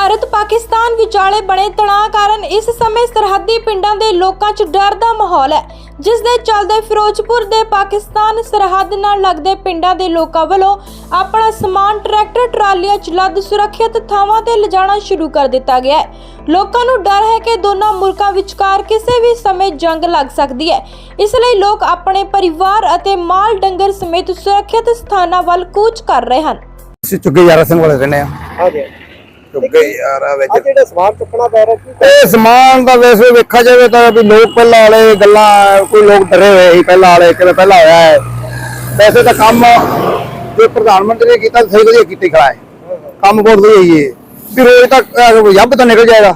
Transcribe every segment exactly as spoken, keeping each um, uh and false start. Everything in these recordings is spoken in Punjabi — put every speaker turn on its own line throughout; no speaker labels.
ਭਾਰਤ ਪਾਕਿਸਤਾਨ ਵਿਚਾਲੇ ਬਣੇ ਤਣਾਅ ਕਾਰਨ ਇਸ ਸਮੇਂ ਸਰਹੱਦੀ ਪਿੰਡਾਂ ਦੇ ਲੋਕਾਂ 'ਚ ਡਰ ਦਾ ਮਾਹੌਲ ਹੈ, ਜਿਸ ਦੇ ਚੱਲਦੇ ਫਿਰੋਜ਼ਪੁਰ ਦੇ ਪਾਕਿਸਤਾਨ ਸਰਹੱਦ ਨਾਲ ਲੱਗਦੇ ਪਿੰਡਾਂ ਦੇ ਲੋਕਾਂ ਵੱਲੋਂ ਆਪਣਾ ਸਮਾਨ ਟਰੈਕਟਰ ਟਰਾਲੀਆਂ 'ਚ ਲੱਦ ਸੁਰੱਖਿਅਤ ਥਾਵਾਂ ਤੇ ਲਿਜਾਣਾ ਸ਼ੁਰੂ ਕਰ ਦਿੱਤਾ ਗਿਆ ਹੈ। ਲੋਕਾਂ ਨੂੰ ਡਰ ਹੈ ਕਿ ਦੋਨਾਂ ਮੁਲਕਾਂ ਵਿਚਕਾਰ ਕਿਸੇ ਵੀ ਸਮੇਂ ਜੰਗ ਲੱਗ ਸਕਦੀ ਹੈ, ਇਸ ਲਈ ਲੋਕ ਆਪਣੇ ਪਰਿਵਾਰ ਅਤੇ ਮਾਲ ਡੰਗਰ ਸਮੇਤ ਸੁਰੱਖਿਅਤ ਸਥਾਨਾਂ ਵੱਲ ਕੂਚ ਕਰ ਰਹੇ ਹਨ।
ਅਸੀਂ ਚੁੱਕੇ ਯਾਰਾ ਸਿੰਘ ਵਾਲੇ ਰਹਿੰਦੇ ਆ।
ਹਾਂਜੀ
ਚੁੱਕੇ ਯਾਰਾ ਵਿੱਚ
ਆ ਜਿਹੜਾ ਸਮਾਨ ਚੁੱਕਣਾ ਪੈ ਰਿਹਾ ਕੀ
ਇਹ ਸਮਾਨ ਦਾ ਵੈਸੇ ਵੇਖਿਆ ਜਾਵੇ ਤਾਂ ਵੀ ਲੋਕ ਪਹਿਲਾਂ ਵਾਲੇ ਗੱਲਾਂ ਕੋਈ ਲੋਕ ਡਰੇ ਹੋਏ ਸੀ ਪਹਿਲਾਂ ਵਾਲੇ ਕਿਵੇਂ ਪਹਿਲਾਂ ਹੋਇਆ ਹੈ। ਵੈਸੇ ਤਾਂ ਕੰਮ ਜੋ ਪ੍ਰਧਾਨ ਮੰਤਰੀ ਨੇ ਕੀਤਾ ਸਹੀ ਵਧੀਆ ਕੀਤੀ ਖੜਾ ਹੈ, ਕੰਮ ਬਹੁਤ ਵਧੀਆ ਹੀ ਹੈ। ਵੀ ਰੋਜ਼ ਤੱਕ ਯੱਬ ਤਾਂ ਨਿਕਲ ਜਾਏਗਾ,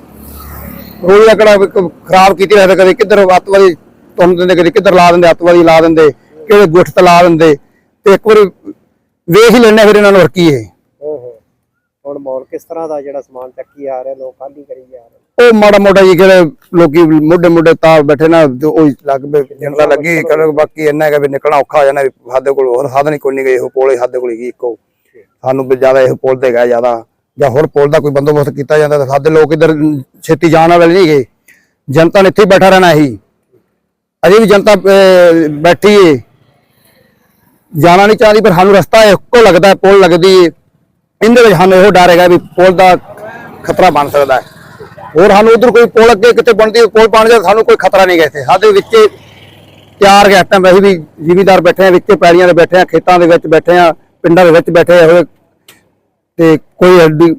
ਰੋਜ਼ ਦਾ ਕਿਹੜਾ ਖਰਾਬ ਕੀਤੀ ਰਹਿੰਦੇ, ਕਦੇ ਕਿੱਧਰ ਅੱਤਵਾਦੀ ਤੁਮ ਦਿੰਦੇ, ਕਦੇ ਕਿੱਧਰ ਲਾ ਦਿੰਦੇ, ਅੱਤਵਾਦੀ ਲਾ ਦਿੰਦੇ, ਕਿਹੜੇ ਗੁੱਠ ਤੇ ਲਾ ਦਿੰਦੇ, ਤੇ ਇੱਕ ਵਾਰੀ ਵੇਖ ਹੀ ਲੈਣੇ ਫਿਰ ਇਹਨਾਂ ਨੂੰ ਕੀ ਹੈ।
ਹੁਣ ਮਾਹੌਲ ਕਿਸ ਤਰ੍ਹਾਂ ਦਾ ਜਿਹੜਾ ਸਮਾਨ ਚੱਕੀ ਆ ਰਿਹਾ, ਲੋਕ ਖਾਲੀ ਕਰੀ ਜਾ ਰਹੇ?
ਉਹ ਮਾੜਾ ਮੋਟਾ ਜੀ ਕਿਹੜੇ ਲੋਕੀ ਮੋਢੇ ਮੋਢੇ ਤਾਰ ਬੈਠੇ ਨਾ, ਉਹ ਲੱਗ ਪਏ ਜਨਤਾ ਲੱਗੀ ਕਰ। ਬਾਕੀ ਇੰਨਾ ਹੈਗਾ ਵੀ ਨਿਕਲਣਾ ਔਖਾ ਹੋ ਜਾਣਾ, ਵੀ ਸਾਡੇ ਕੋਲ ਹੋਰ ਸਾਧਨ ਹੀ ਕੋਈ ਨਹੀਂ ਗਏ, ਇਹੋ ਪੁਲ ਹੀ ਸਾਡੇ ਕੋਲ ਹੀ ਇੱਕੋ, ਸਾਨੂੰ ਵੀ ਜ਼ਿਆਦਾ ਇਹੋ ਪੁਲ ਤੇ ਗਿਆ ਜ਼ਿਆਦਾ, ਜਾਂ ਹੋਰ ਪੁਲ ਦਾ ਕੋਈ ਬੰਦੋਬਸਤ ਕੀਤਾ ਜਾਂਦਾ ਤਾਂ ਸਾਡੇ ਲੋਕ ਇੱਧਰ ਛੇਤੀ ਜਾਣ ਵਾਲੇ ਨਹੀਂ ਗਏ। ਜਨਤਾ ਨੇ ਇੱਥੇ ਹੀ ਬੈਠਾ ਰਹਿਣਾ ਹੀ, ਅਜੇ ਵੀ ਜਨਤਾ ਬੈਠੀ ਏ, ਜਾਣਾ ਨਹੀਂ ਚਾਹਦੀ, ਪਰ ਸਾਨੂੰ ਰਸਤਾ ਇੱਕੋ ਲੱਗਦਾ, ਪੁਲ ਲੱਗਦੀ ਏ। ਇਹਦੇ ਵਿੱਚ ਸਾਨੂੰ ਇਹੋ ਡਰ ਹੈਗਾ ਵੀ ਪੁਲ ਦਾ ਖਤਰਾ ਬਣ ਸਕਦਾ ਹੈ। ਹੋਰ ਸਾਨੂੰ ਉਧਰ ਕੋਈ ਪੁਲ ਅੱਗੇ ਕਿਤੇ ਬਣਦੀ ਪੁਲ ਬਣ ਜਾਏ ਸਾਨੂੰ ਕੋਈ ਖਤਰਾ ਨਹੀਂ ਗਾ। ਇੱਥੇ ਸਾਡੇ ਵਿੱਚ ਤਿਆਰ ਗਿਆ ਟਾਈਮ ਵੈਸੇ ਵੀ ਜ਼ਿਮੀਦਾਰ ਬੈਠੇ ਆ, ਵਿੱਚ ਪੈੜੀਆਂ ਦੇ ਬੈਠੇ ਆ, ਖੇਤਾਂ ਦੇ ਵਿੱਚ ਬੈਠੇ ਆ, ਪਿੰਡਾਂ ਦੇ ਵਿੱਚ ਬੈਠੇ ਹੋਏ, ਤੇ ਕੋਈ ਐਡੀ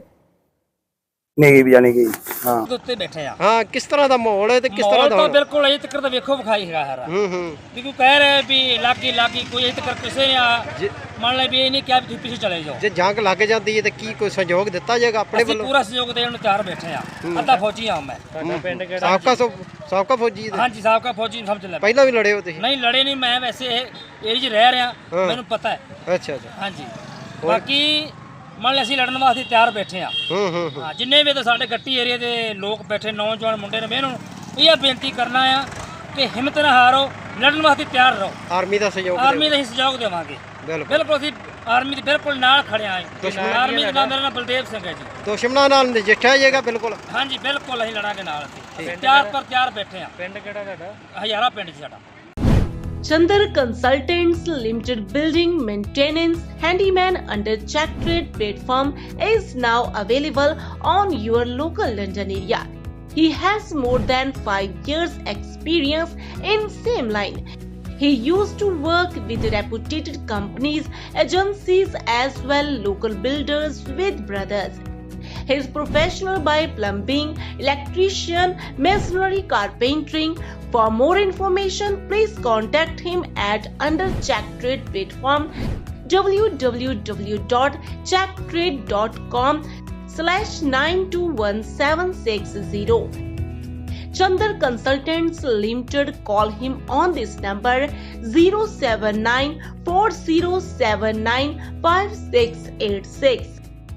ਨਹੀਂ ਵੀ ਜਾਣੀ ਕਿ ਹਾਂ
ਉੱਤੇ ਬੈਠੇ ਆ।
ਹਾਂ ਕਿਸ ਤਰ੍ਹਾਂ ਦਾ ਮਾਹੌਲ ਹੈ ਤੇ ਕਿਸ ਤਰ੍ਹਾਂ ਦਾ
ਮਾਹੌਲ ਤਾਂ ਬਿਲਕੁਲ ਅਜੇ ਤੱਕ ਤਾਂ ਵੇਖੋ ਵਿਖਾਈ ਹੈਗਾ ਹਰਾ।
ਹੂੰ ਹੂੰ
ਵੀ ਕੋਈ ਕਹਿ ਰਿਹਾ ਵੀ ਲਾਗੀ ਲਾਗੀ ਕੋਈ ਅਜੇ ਤੱਕ ਕਿਸੇ ਨੇ ਆ ਮੰਨ ਲੈ ਵੀ ਇਹ ਨਹੀਂ ਕਿਹਾ ਵੀ ਤੁਸੀਂ ਪਿੱਛੇ ਚਲੇ ਜਾਓ।
ਜੇ ਜੰਗ ਲੱਗ ਜਾਂਦੀ ਹੈ ਤੇ ਕੀ ਕੋਈ ਸਹਿਯੋਗ ਦਿੱਤਾ ਜਾਏਗਾ ਆਪਣੇ
ਅਸੀਂ
ਵੱਲੋਂ?
ਪੂਰਾ ਸਹਿਯੋਗ ਦੇਣ ਨੂੰ ਤਿਆਰ ਬੈਠੇ ਆ। ਅੱਧਾ ਫੌਜੀ ਆ ਮੈਂ।
ਸਾਬਕਾ ਸਾਬਕਾ ਫੌਜੀ ਦੇ
ਹਾਂਜੀ ਸਾਬਕਾ ਫੌਜੀ ਸਮਝ ਲੈ।
ਪਹਿਲਾਂ ਵੀ ਲੜੇ ਹੋ ਤੁਸੀਂ?
ਨਹੀਂ ਲੜੇ ਨਹੀਂ, ਮੈਂ ਵੈਸੇ ਇਹ ਏਰੀਆ 'ਚ ਰਹਿ ਰਿਹਾ, ਮੈਨੂੰ ਪਤਾ ਹੈ।
ਅੱਛਾ ਅੱਛਾ
ਹਾਂਜੀ ਬਾਕੀ ਮੰਨ ਲੈ ਅਸੀਂ ਲੜਨ ਵਾਸਤੇ ਤਿਆਰ ਬੈਠੇ ਆ।
ਹੂੰ ਹੂੰ
ਹਾਂ ਜਿੰਨੇ ਵੀ ਤਾਂ ਸਾਡੇ ਗੱਟੀ ਏਰੀਆ ਦੇ ਲੋਕ ਬੈਠੇ ਨੌਜਵਾਨ ਮੁੰਡੇ ਨੇ, ਮੈਂ ਇਹਨਾਂ ਨੂੰ ਇਹ ਬੇਨਤੀ ਕਰਨਾ ਆ ਕਿ ਹਿੰਮਤ ਨਾ ਹਾਰੋ, ਲੜਨ ਵਾਸਤੇ ਤਿਆਰ ਰਹੋ।
ਆਰਮੀ ਦਾ ਸਹਿਯੋਗ
ਆਰਮੀ ਦਾ ਹੀ ਸਹਿਯੋਗ ਦੇਵਾਂਗੇ। ਬਿਲਕੁਲ ਅਸੀਂ ਆਰਮੀ ਦੇ ਬਿਲਕੁਲ ਨਾਲ ਖੜੇ ਆਂ। ਆਰਮੀ ਦਾ ਨਾਮ ਮੇਰਾ ਨਾਮ ਬਲਦੇਵ ਸਿੰਘ ਹੈ ਜੀ।
ਦੁਸ਼ਮਣਾਂ ਨਾਲ ਨਜਿੱਠਿਆ ਜਾਏਗਾ ਬਿਲਕੁਲ?
ਹਾਂਜੀ ਬਿਲਕੁਲ ਅਸੀਂ ਲੜਾਂਗੇ ਨਾਲ, ਅਸੀਂ ਤਿਆਰ ਪਰ ਤਿਆਰ ਬੈਠੇ ਆਂ। ਪਿੰਡ ਕਿਹੜਾ ਤੁਹਾਡਾ? ਹਜ਼ਾਰਾ ਪਿੰਡ ਜੀ ਸਾਡਾ।
Chandar Consultants Limited Building Maintenance Handyman under Check Trade platform is now available on your local London area. He has more than five years experience in same line. He used to work with reputed companies, agencies as well local builders with brothers. He is professional by plumbing, electrician, masonry, carpentering. For more information, please contact him at under Check Trade platform w w w dot check trade dot com slash nine two one seven six zero. Chandar Consultants Limited. Call him on this number zero seven nine four zero seven nine five six eight six.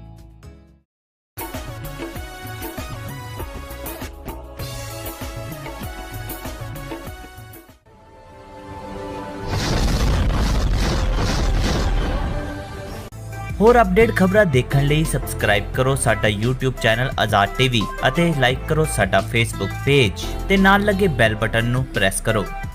ਹੋਰ ਅਪਡੇਟ ਖਬਰਾਂ ਦੇਖਣ ਲਈ ਸਬਸਕ੍ਰਾਈਬ ਕਰੋ ਸਾਡਾ YouTube ਚੈਨਲ ਆਜ਼ਾਦ ਟੀਵੀ ਅਤੇ ਲਾਈਕ ਕਰੋ ਸਾਡਾ Facebook ਪੇਜ ਤੇ ਨਾਲ ਲੱਗੇ ਬੈਲ ਬਟਨ ਨੂੰ ਪ੍ਰੈਸ ਕਰੋ।